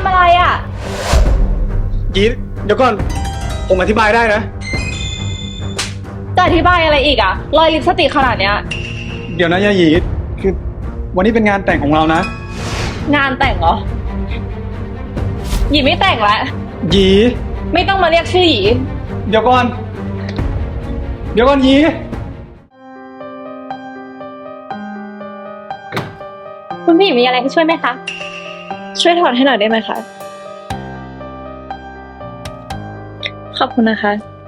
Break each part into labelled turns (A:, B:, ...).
A: ำอะไรอ่ะ
B: ยีดเดี๋ยวก่อนผมอธิบายได้นะ
A: จะอธิบายอะไรอีกอ่ะรอยลิปสติกขนาดเนี้ย
B: เดี๋ยวนะยายีดคือวันนี้เป็นงานแต่งของเรานะ
A: งานแต่งเหรอหยีไม่แต่งแล้ว
B: ยี
A: ไม่ต้องมาเรียกชื่อหยี
B: เดี๋ยวก่อนยี
A: คุณพี่มีอะไรให้ช่วยไหมคะช่วยถอดให้หน่อยได้ไหมคะขอบคุณนะคะ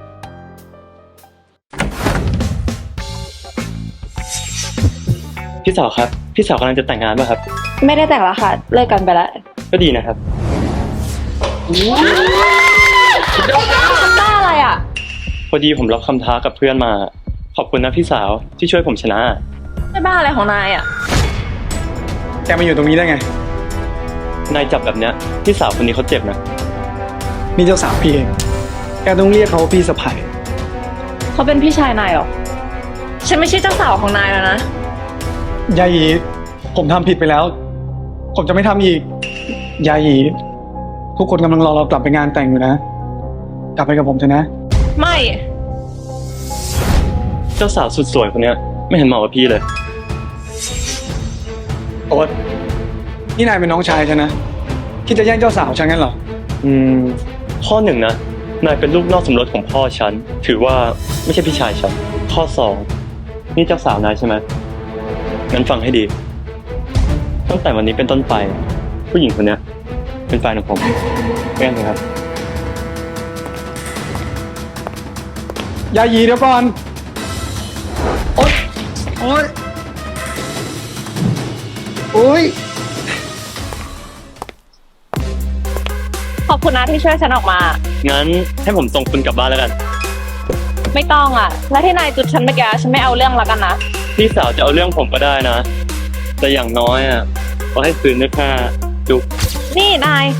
C: พี่สาวครับพี่สาวกำลังจะแต่งงานป่ะครับ
A: ไม่ได้แต่งแล้วค่ะเลิกกันไปแล้ว
C: ก็ดีนะครับ
A: ทำบ้าอะไรอ่ะ
C: พอดีผมรับคำท้ากับเพื่อนมาขอบคุณนะพี่สาวที่ช่วยผมชนะ
A: ไม่บ้าอะไรของนายอ่ะ
B: แกมาอยู่ตรงนี้ได้ไง
C: นายจับแบบเนี้ยพี่สาวคนนี้เขาเจ็บนะ
B: นี่เจ้าสาวพี่เองแกต้องเรียกเขาว่าพี่สะใภ้
A: เขาเป็นพี่ชายนายหรอฉันไม่ใช่เจ้าสาวของนายแล้วนะ
B: ยายีผมทำผิดไปแล้วผมจะไม่ทำอีกยายีทุกคนกำลังรอเรากลับไปงานแต่งอยู่นะกลับไปกับผมเถอะนะ
A: ไม่
C: เจ้าสาวสุดสวยคนเนี้ยไม่เห็นเหมาะกับพี่เลย
B: โอ๊ตนี่นายเป็นน้องชายฉันนะคิดจะแย่งเจ้าสาวฉันงั้นเหรอ
C: ข้อหนึ่งนะนายเป็นลูกนอกสมรสของพ่อฉันถือว่าไม่ใช่พี่ชายฉันข้อสองนี่เจ้าสาวนายใช่ไหมงั้นฟังให้ดีตั้งแต่วันนี้เป็นต้นไปผู้หญิงคนนี้เป็นแฟนของผมแม่นไหมครับ
B: ยายีเดี๋ยวก่อนโอ๊ย
A: ขอบคุณนะที่ช่วยฉันออกมา
C: งั้นให้ผมส่งคุณกลับบ้านแล้วกัน
A: ไม่ต้องอ่ะแล้วที่นายจุดฉันเมื่อกี้ฉันไม่เอาเรื่องแล้วกันนะ
C: พี่สาวจะเอาเรื่องผมก็ได้นะแต่อย่างน้อยอ่ะก็ให้คืนด้วยค่าจุ๊บ
A: นี่นาย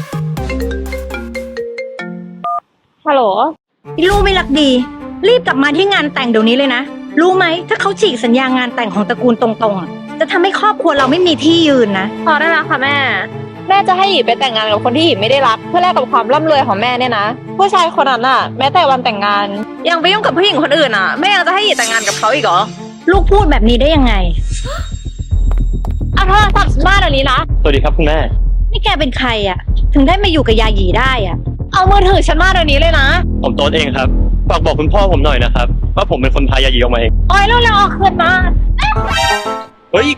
A: ฮัลโหล
D: ลูกไม่รักดีรีบกลับมาที่งานแต่งเดี๋ยวนี้เลยนะรู้ไหมถ้าเขาฉีกสัญญางานแต่งของตระกูลตรงๆจะทำให้ครอบครัวเราไม่มีที่ยืนนะ
A: พอได้แล้วค่ะแม่จะให้หยีไปแต่งงานกับคนที่หยีไม่ได้รักเพื่อแลกกับความร่ำรวยของแม่เนี่ยนะผู้ชายคนนั้นน่ะแม้แต่วันแต่งงานยังไปยุ่งกับผู้หญิงคนอื่นอ่ะแม่ยังจะให้หยีแต่งงานกับเขาอีกเหรอ
D: ลูกพูดแบบนี้ได้ยังไง
A: เอาโทรศัพท์บ้านอันนี้นะ
C: สวัสดีครับคุณแม่
D: นี่แกเป็นใครอ่ะถึงได้มาอยู่กับยาหยีได้อ่ะ
A: เอามือถือฉันมาเดี๋ยวนี้เลยนะ
C: ผมโต๊ดเองครับฝากบอกคุณพ่อผมหน่อยนะครับว่าผมเป็นคนพายาหยีออกมาเอง
A: โอ้ยเร็วๆออกคืนมา
C: เฮ้ย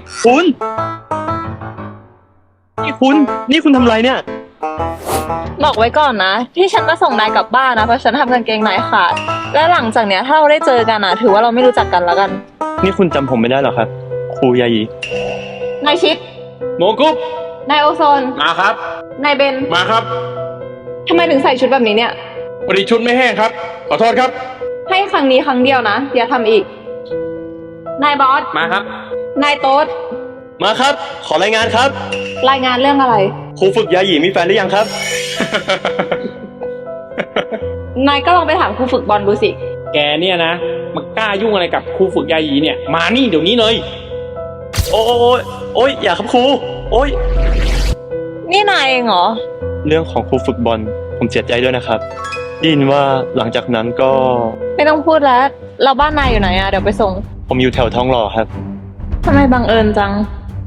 C: นี่คุณทำไรเนี่ย
A: บอกไว้ก่อนนะที่ฉันมาส่งนายกลับบ้านนะเพราะฉันทำกางเกงในขาดและหลังจากเนี้ยถ้าเราได้เจอกันนะถือว่าเราไม่รู้จักกันแล้วกัน
C: นี่คุณจำผมไม่ได้หรอครับครูยาหยี
A: นายชิด
C: โมกุ๊บ
A: นายโอโซน
E: มาครับ
A: นายเบน
E: มาครับ
A: ทำไมถึงใส่ชุดแบบนี้เนี่ย
E: พอดีชุดไม่แห้งครับขอโทษครับ
A: ให้ครั้งนี้ครั้งเดียวนะอย่าทำอีกนายบอส
E: มาครับ
A: นายโต๊ด
C: มาครับขอรายงานครับ
A: รายงานเรื่องอะไร
C: ครูฝึกยาหยีมีแฟนหรือยังครับ
A: นายก็ลองไปถามครูฝึกบอลดูสิ
E: แกเนี่ยนะมากล้ายุ่งอะไรกับครูฝึกยาหยีเนี่ยมานี่เดี๋ยวนี้เลย
C: โอ้ยอย่าครับครูโอ้ย
A: นี่นายเองเหรอ
C: เรื่องของครูฝึกบอลผมเสียใจด้วยนะครับได้ยินว่าหลังจากนั้นก็
A: ไม่ต้องพูดแล้วเราบ้านนายอยู่ไหนอะเดี๋ยวไปส่ง
C: ผมอยู่แถวทองหล่อครับ
A: ทำไมบังเอิญจัง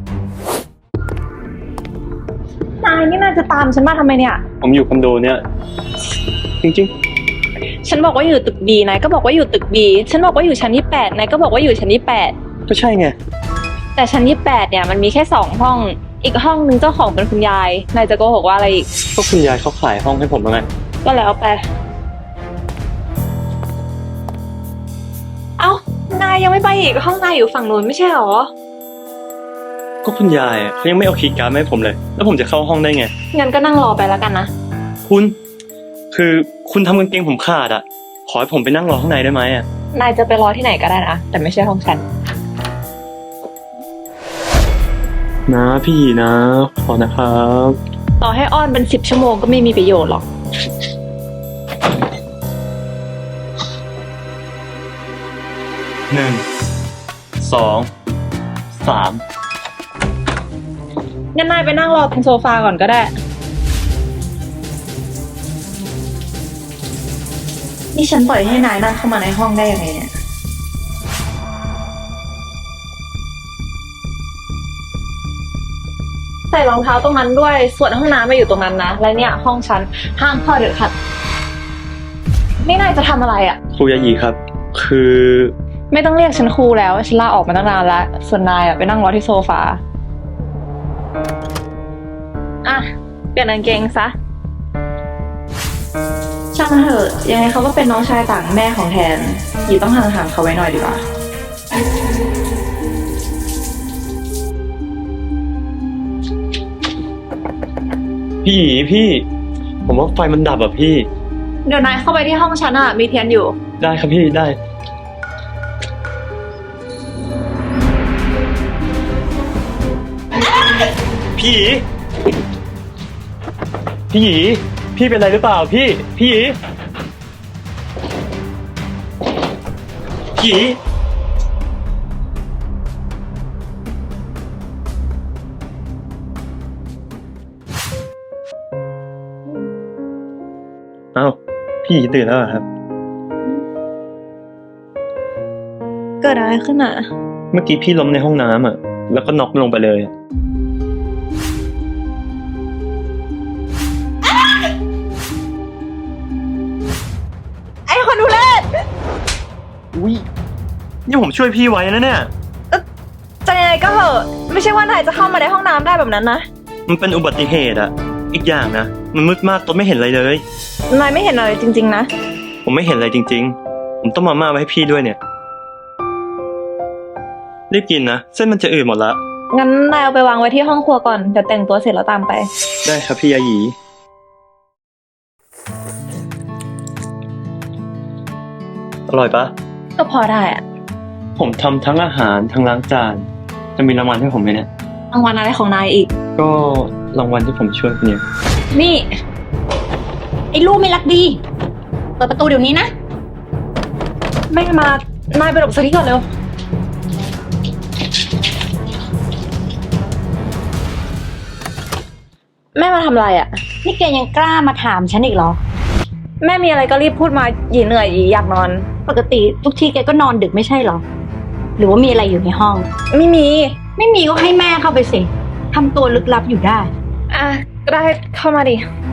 A: นายนี่น่าจะตามฉันมาทำไมเนี่ย
C: ผมอยู่คอนโดเนี่ยจริง
A: ๆฉันบอกว่าอยู่ตึกดีนายก็บอกว่าอยู่ตึกบีฉันบอกว่าอยู่ชั้นที่8นายก็บอกว่าอยู่ชั้นที่8
C: ก็ใช่ไง
A: แต่ชั้นที่8เนี่ยมันมีแค่2ห้องอีกห้องนึงเจ้าของเป็นคุณยายนายจะโกหกว่าอะไรอีก
C: ก็คุณยายเขาขายห้องให้ผมแล้วไง
A: ก็แล้วไปเอ้านายยังไม่ไปอีกห้องนายอยู่ฝั่งนู้นไม่ใช่หรอ
C: ก็คุณยายเขายังไม่เอาคีย์การ์ดมาให้ผมเลยแล้วผมจะเข้าห้องได้ไง
A: งั้นก็นั่งรอไปแล้วกันนะ
C: คือคุณทำกางเกงผมขาดอ่ะขอให้ผมไปนั่งรอข้างในได้ไหมอ่ะ
A: นายจะไปรอที่ไหนก็ได้นะแต่ไม่ใช่ห้องฉัน
C: นะพี่นะขอนะครับ
A: ต่อให้อ้อนเป็น10 ชั่วโมงก็ไม่มีประโยชน์หรอก
C: 1 2 3
A: งั้นนายไปนั่งรอตรงโซฟาก่อนก็ได้นี่ฉันปล่อยให้นายนั่งเข้ามาในห้องได้ยังไงเนี่ย ใส่รองเท้าตรงนั้นด้วย ส่วนห้องน้ำมาอยู่ตรงนั้นนะ และเนี่ยห้องฉันห้ามเข้าเด็ดขาดนี่นายจะทำอะไรอ่ะ
C: ครูยายีครับ คือ
A: ไม่ต้องเรียกฉันครูแล้ว ฉันลาออกมาตั้งนานแล้ว ส่วนนายอ่ะไปนั่งรอที่โซฟา อ่ะ เปลี่ยนกางเกงซะ ช่างมันเถอะ ยังไงเขาก็เป็นน้องชายต่างแม่ของแทนหยีต้องห่างๆเขาไว้หน่อยดีกว่า
C: พี่หยีพี่ ผมว่าไฟมันดับอ่ะพี่
A: เดี๋ยวนายเข้าไปที่ห้องฉันอ่ะ มีเทียนอยู่
C: ได้ครับพี่ได้ พี่หยีพี่หยีพี่เป็นไรหรือเปล่าพี่หยีพี่หยีอ้าวพี่หยีตื่นแล้วเหรอครับ
A: เกิดอะไรขึ้นอ่ะ
C: เมื่อกี้พี่ล้มในห้องน้ำอ่ะ แล้วก็น็อกลงไปเลย
A: ไอ้คนดูแล
C: อุ้ยนี่ผมช่วยพี่ไว้นะเนี่ย
A: จะยังไงก็เหอะไม่ใช่ว่านายจะเข้ามาในห้องน้ำได้แบบนั้นนะ
C: มันเป็นอุบัติเหตุอะอีกอย่างนะ มันมืดมากตัวไม่เห็นอะไรเลย
A: นายไม่เห็นอะไรจริงๆนะ
C: ผมไม่เห็นอะไรจริงๆ ผมต้องมาม่าไว้ให้พี่ด้วยเนี่ย รีบกินนะ เส้นมันจะอืดหมดละ
A: งั้นนายเอาไปวางไว้ที่ห้องครัวก่อน เดี๋ยวแต่งตัวเสร็จแล้วตามไป
C: ได้ครับพี่ยายีอร่อยปะ
A: ก็พอได้อะ
C: ผมทำทั้งอาหารทั้งล้างจาน จะมีรางวัลให้ผมไหมเนี่ย
A: รางวัลอะไรของนายอีก
C: ก็รางวัลที่ผมช่วยคุณเนี่ย
A: นี่
D: ไอ้ลูกไม่รักดี เปิดประตูเดี๋ยวนี้นะ
A: แม่มา นายไปหลบสักทีก่อนเร็ว แม่มาทำอะไรอ่ะ
D: นี่แกยังกล้ามาถามฉันอีกเหรอ
A: แม่มีอะไรก็รีบพูดมาหยีเหนื่อยหยีอยากนอน
D: ปกติทุกทีแกก็นอนดึกไม่ใช่เหรอ หรือว่ามีอะไรอยู่ในห้อง
A: ไม่มี
D: ไม่มีก็ให้แม่เข้าไปสิทำตัวลึกลับอยู่ได้
A: อ่ะก็ได้เข้ามาดิ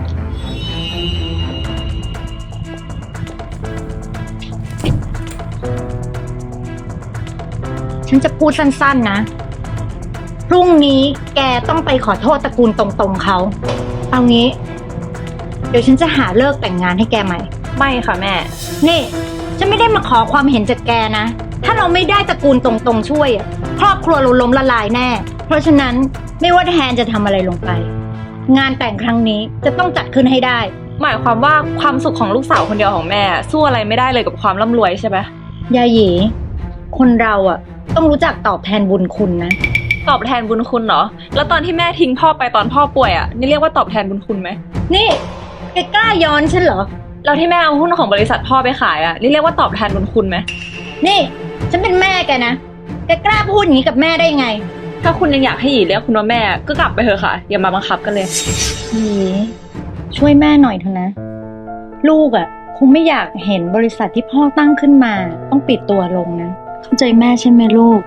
D: ฉันจะพูดสั้นๆนะ พรุ่งนี้แกต้องไปขอโทษตระกูลตรงๆเขา เอางี้ เดี๋ยวฉันจะหาเลิกแต่งงานให้แกใหม่
A: ไม่ค่ะแม่
D: นี่ ฉันไม่ได้มาขอความเห็นจากแกนะ ถ้าเราไม่ได้ตระกูลตรงๆช่วยอะครอบครัวเราล้มละลายแน่ เพราะฉะนั้นไม่ว่าแทนจะทำอะไรลงไป งานแต่งครั้งนี้จะต้องจัดขึ้นให้ได้
A: หมายความว่าความสุขของลูกสาวคนเดียวของแม่ สู้อะไรไม่ได้เลยกับความร่ำรวยใช่ไหม
D: ยาหยีคนเราอะต้องรู้จักตอบแทนบุญคุณนะ
A: ตอบแทนบุญคุณเหรอ แล้วตอนที่แม่ทิ้งพ่อไปตอนพ่อป่วยอ่ะ นี่เรียกว่าตอบแทนบุญคุณไหม
D: นี่แกกล้าย้อนฉันเหรอ
A: แล้วที่แม่เอาหุ้นของบริษัทพ่อไปขายอ่ะ นี่เรียกว่าตอบแทนบุญคุณไหม
D: นี่ ฉันเป็นแม่แกนะ แกกล้าพูดอย่างนี้กับแม่ได้ยังไง
A: ถ้าคุณยังอยากให้หยีเรียกคุณว่าแม่ ก็กลับไปเถอะค่ะ อย่ามาบังคับกันเลย
D: หยีช่วยแม่หน่อยเถอะนะ ลูกอะคงไม่อยากเห็นบริษัทที่พ่อตั้งขึ้นมา ต้องปิดตัวลงนะ เข้าใจแม่ใช่ไหมลูก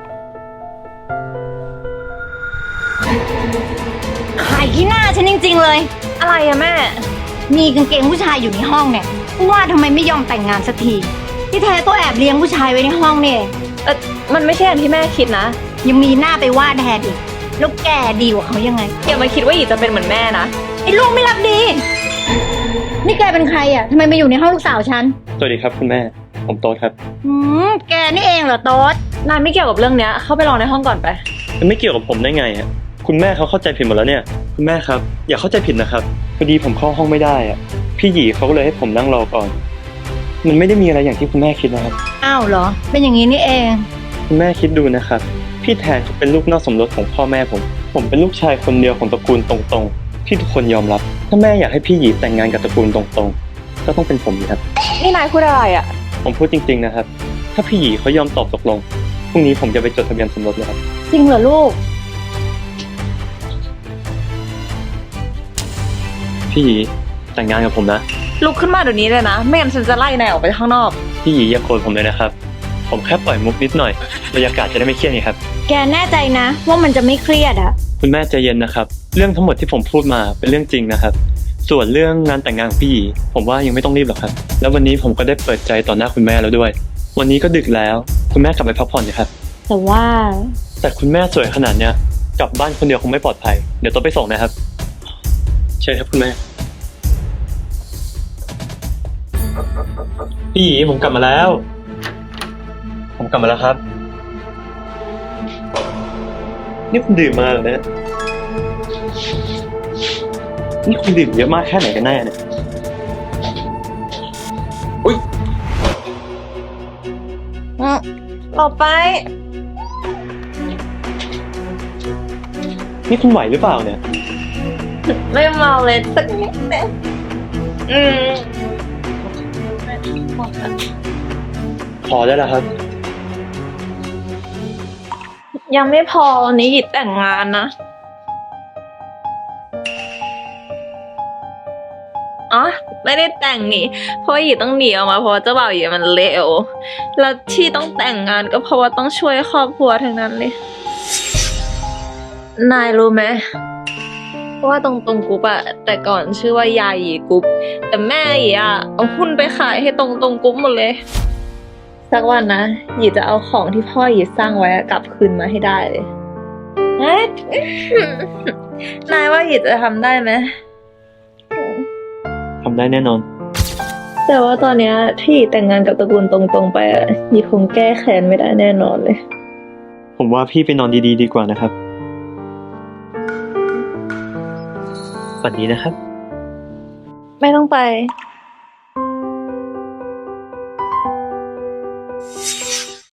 D: ขายที่หน้าฉันจริงๆเลย
A: อะไรอะแม่
D: มีกางเกงผู้ชายอยู่ในห้องเนี่ยว่าทำไมไม่ยอมแต่งงานสักทีที่แท้ก็แอบเลี้ยงผู้ชายไว้ในห้องนี่
A: มันไม่ใช่อย่างที่แม่คิดนะ
D: ยังมีหน้าไปว่าแทนอีกแล้วแกดีกว่าเขายังไง
A: อย่ามาคิดว่าหยีจะเป็นเหมือนแม่นะ
D: ไอ้ลูกไม่รักดี นี่แกเป็นใครอ่ะทำไมมาอยู่ในห้องลูกสาวฉัน
C: สวัสดีครับคุณแม่ ผมโต๊ดครับ
D: แกนี่เองเหรอโต๊ด
A: นายไม่เกี่ยวกับเรื่องเนี้ย เข้าไปรอในห้องก่อนไป
C: มันไม่เกี่ยวกับผมได้ไงอะคุณแม่เขาเข้าใจผิดหมดแล้วเนี่ย คุณแม่ครับ อย่าเข้าใจผิดนะครับ พอดีผมเข้าห้องไม่ได้อะพี่หยีเขาก็เลยให้ผมนั่งรอก่อน มันไม่ได้มีอะไรอย่างที่คุณแม่คิดนะครับ
D: อ้าวเหรอ เป็นอย่างนี้นี่เอง
C: คุณแม่คิดดูนะครับ พี่แทนเขาเป็นลูกนอกสมรสของพ่อแม่ผม ผมเป็นลูกชายคนเดียวของตระกูลตรงๆ ที่ทุกคนยอมรับ ถ้าแม่อยากให้พี่หยีแต่งงานกับตระกูลตรงๆ ก็ต้องเป็นผมครับ
A: นี่นายพูดอะไรอะ
C: ผมพูดจริงๆนะครับ ถ้าพี่หยีเขายอมตอบตกลง พรุ่งนี้ผมจะไปจดทะเบียนสมรสเลยครับ
D: จริงเหรอลูก
C: พี่หยีแต่งงานกับผมนะ
A: ลุกขึ้นมาเดี๋ยวนี้เลยนะ ไม่งั้นฉันจะไล่นายออกไปข้างนอก
C: พี่หยีอย่าโกรธผมเลยนะครับ ผมแค่ปล่อยมุกนิดหน่อยบรรยากาศจะได้ไม่เครียดไงครับ
D: แกแน่ใจนะว่ามันจะไม่เครียดอะ
C: คุณแม่ใจเย็นนะครับ เรื่องทั้งหมดที่ผมพูดมาเป็นเรื่องจริงนะครับ ส่วนเรื่องงานแต่งงานของพี่หยีผมว่ายังไม่ต้องรีบหรอกครับ แล้ววันนี้ผมก็ได้เปิดใจต่อหน้าคุณแม่แล้วด้วย วันนี้ก็ดึกแล้ว คุณแม่กลับไปพักผ่อนนะครับ
D: แต่ว่า
C: แต่คุณแม่สวยขนาดเนี้ยกลับบ้านคนเดียวคงไม่ปลอดภัย เดี๋ยวต้องไปส่งนะครับเชิญครับคุณแม่ พี่หยีผมกลับมาแล้ว ผมกลับมาแล้วครับ นี่คุณดื่มมาเหรอเนี่ยนี่คุณดื่มเยอะมากแค่ไหนกันแน่เนี่ย
A: ออกไป
C: นี่คุณไหวหรือเปล่าเนี่ย
A: ไม่เมาเลยสักนิดนึงหมดแล้ว
C: พอได้แล้วครับ
A: ยังไม่พอวันนี้หยิบแต่งงานนะอ๋อไม่ได้แต่งนี่ เพราะว่าหยิบต้องหนีออกมาเพราะว่าเจ้าบ่าวหยิบมันเลวแล้วที่ต้องแต่งงานก็เพราะว่าต้องช่วยครอบครัวทั้งนั้นเลย นายรู้ไหมว่าตรงกรุ๊ปอะแต่ก่อนชื่อว่ายายหยีกรุ๊ปแต่แม่หยีอะเอาหุ้นไปขายให้ตรงกรุ๊ปหมดเลย สักวันนะหยีจะเอาของที่พ่อหยีสร้างไว้อะกลับคืนมาให้ได้เลยเอ๊ะ นายว่าหยีจะทำได้ไหม
C: ทำได้แน่นอน
A: แต่ว่าตอนเนี้ยที่หยีแต่งงานกับตระกูลตรงๆไปอะหยีคงแก้แค้นไม่ได้แน่นอนเลย
C: ผมว่าพี่ไปนอนดีๆดีกว่านะครับฝันดีนะครับ
A: ไม่ต้องไป